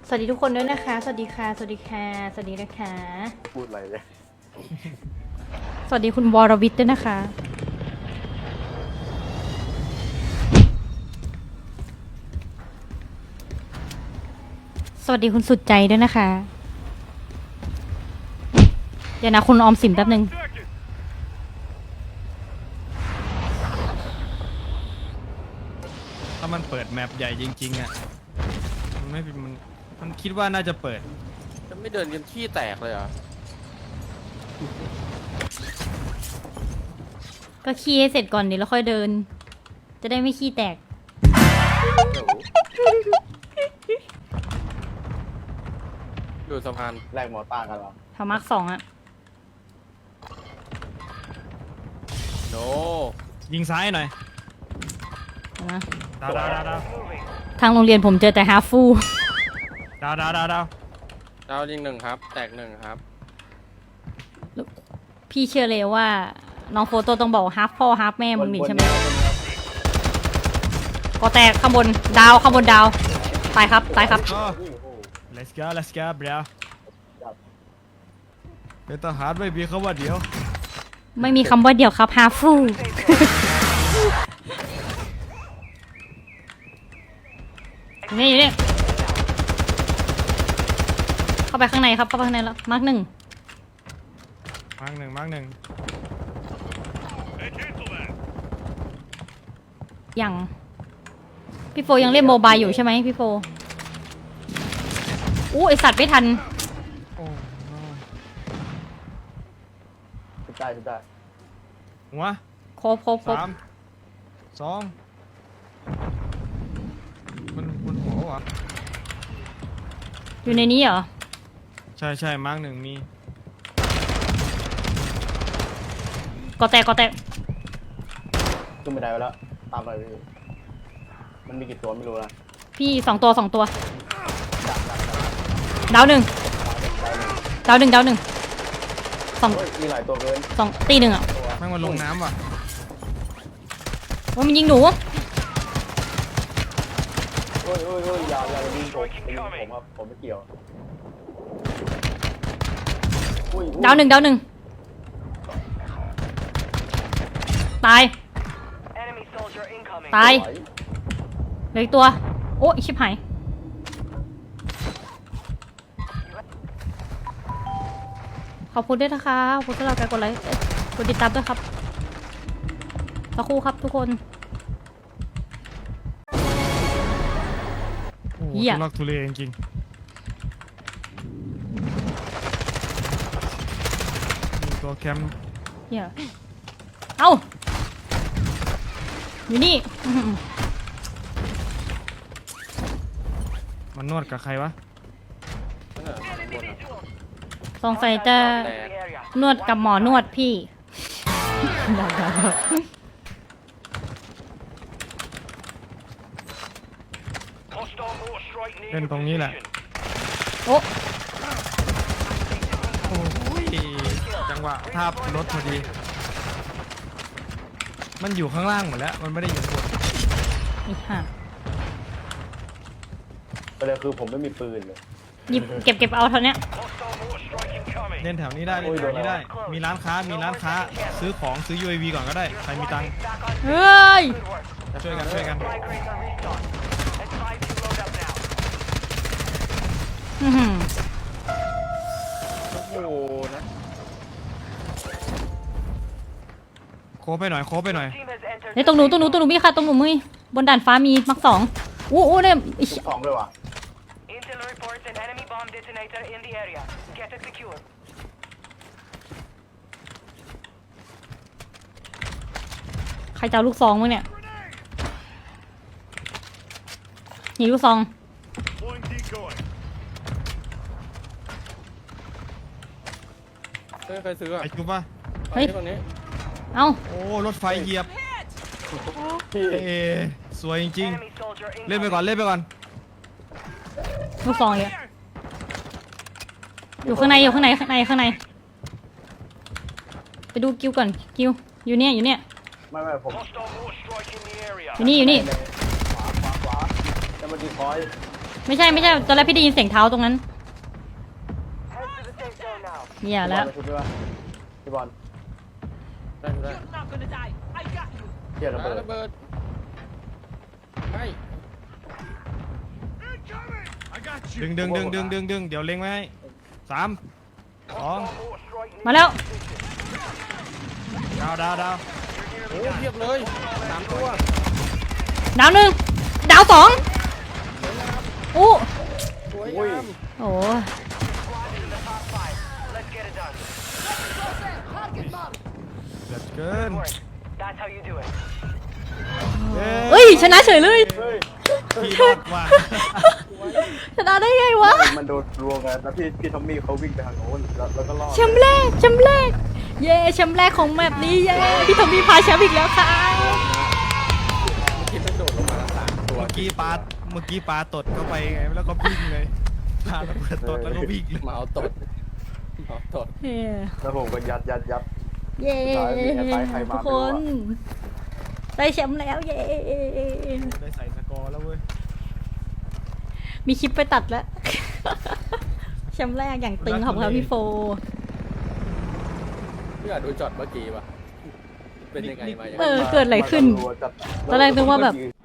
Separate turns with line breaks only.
สวัสดีทุกคนด้วยนะคะสวัสดีค่ะสวัสดีค่ะสวัสดีนะคะ
พูดอะไรเนี่ย
สวัสดีคุณวรวิทย์ด้วยนะคะสวัสดีคุณสุดใจด้วยนะคะเดี๋ยวนะคุณออมสินแป๊บนึง
ถ้ามันเปิดแมปใหญ่จริงๆอ่ะมันคิดว่าน่าจะเปิด
จะไม่เดินกันขี้แตกเลยเหรอ
ก็ขี้ให้เสร็จก่อนเดี๋ยวแล้วค่อยเดินจะได้ไม่ขี้แตก
อยู่สะพานแรกมอต้ากันเหรอ
ทามาร์คสองอะ
โน
ยิงซ้ายหน่อย
นะ
ดาว
ทางโรงเรียนผมเจอแต่ฮาฟู
ดาว
ดาวยิงหนึ่งครับแตกหนึ่งครับ
พี่เชื่อเลยว่าน้องโฟโต้ต้องบอกฮาฟพ่อฮาฟแม่มึงนี่ใช่ไหมก็แตกข้างบนดาวข้างบนดาวตายครับตายครับ
let's go bro เป็นทหารไม่มีคำว่าเดี๋ยว
ไม่มีคำว่าเดี๋ยวครับฮาฟูนี่อยู่นี่เข้าไปข้างในครับเข้าไปข้างในแล้วมาร์กหนึ่งยังพี่โฟยังเล่นโมบายอยู่ใช่ไหมพี่โฟอู้ไอสัตว์ไม่ทัน
ชุดได้
หัว
ครบ
3 2มันหัววะ
อยู่ในนี้เหรอ
ใช่มาร์กหนึ่งมี
ก็แตก
ขึ้นไม่ได้แล้วตามไปมันมีกี่ตัวไม่รู้นะ
พี่สองตัวดาวหนึ่งสอง
มีหลายตัวเกิน
สองตีหนึ่งอ่ะ
แม่งมันลงน้ำว่ะ
ว่ามันยิงหนู
อย่ายิงผมครับผมไม่เกี่ยว
ดาวหนึ่งตายเหลืออีกตัวโอ้ยชิบหายขอบคุณด้วยนะคะขอบคุณที่เรากดไลค์กดติดตามด้วยครับสักครู่ครับทุกคน
โอ้โหทุลักทุเลจริงๆตัวแคมป์
เหี้ยเอ้าอยู่นี่
มันนวดกับใครวะ
สงสัยจะนวดกับหมอนวดพี่
เล่นตรงนี้แหละ
โอ้
ยจังหวะภาพรถพอดีมันอยู่ข้างล่างหมดแล้วมันไม่ได้อยู่บน
อีห่า
ประเด็นคือผมไม่มีปืนเลย
หยิบเก็บเอาเท่านี้
เล่นแถวนี้ได้มีร้านค้าซื้อของซื้อ UAV ก่อนก็ได้ใครมีตังค์
เฮ้ย
ช่วยกัน
โอ้โหนะ
โคไปหน่อย
เนี่ยตรงหนูมีค่ะตรงหนูมือบนด่านฟ้ามีมักสองอู้เนี่ย
สองเลยว่ะ
ใครจะเอาลูกซองมั้งเนี่ยหนีลูกซอง
ใครซื้ออ่ะ
ไอ้จุ๊บป่ะ
เฮ้ยเอ้า
โอ้รถไฟเหยียบสวยจริงๆเล่นไปก่อน
ลูกซองเยอะอยู่ข้างในไปดูกิ้วก่อนกิ้วอยู่เนี่ย
ไม่ผม
อยู่นี่
ขวาจะมาดีคอย
ไม่ใช่ตอนแรกพี่ได้ยินเสียงเท้าตรงนั้นเหี้ยแล้ว
พี่บอล
ได้ได้
เกียร์ระเบิด
ระเบิดไป
ดึงเดี๋ยวเล็งไว้ให้3 2
มาแล้ว
ดาว
โอ้เพียบเลย3 ตัว
ดาวหนึ่งดาวสองอู้
สวย
อุ้ย
งาม
โอ้
เดือดเกิน
เอ้ยชนะเฉยเลย
เฮ้ย
พี่รอดว่ะ
ชนะได้ไงวะ
มันโดนรวมกันแล้วพี่ทอมมี่เขาวิ่งไปทางโน้นแล้วก็รอด
แชมป์แรกเย้แชมป์แรกของแมปนี้เย้พี่ทอมมี่พาแชมป์อีกแล้วค่ะ
คิดมันโดดลงมาแล้ว3 ตัว
เมื่อกี้ปลาตดเข้าไปไงแล้วก็วิ่งเลยปลาระเบิดตดแล้วก็วิ่งเลย
มาเอาตดตด
เย้
แล้วผมก็ยัด
เย้
สุดท้ายมีใครมา
ทุกคนได้แชมป์แล้วเย้
ได้ใส่สกอร์แล้วเว้ย
มีคลิปไปตัดแล้ว แชมป์แรกอย่างตึงของเราพี่โฟ
พี่อาจดูจอดเมื่อกี้ป่ะเป็นยังไงมาอย่าง
เออเกิดอะไรขึ้น ตอนแรกนึกว่าแบบ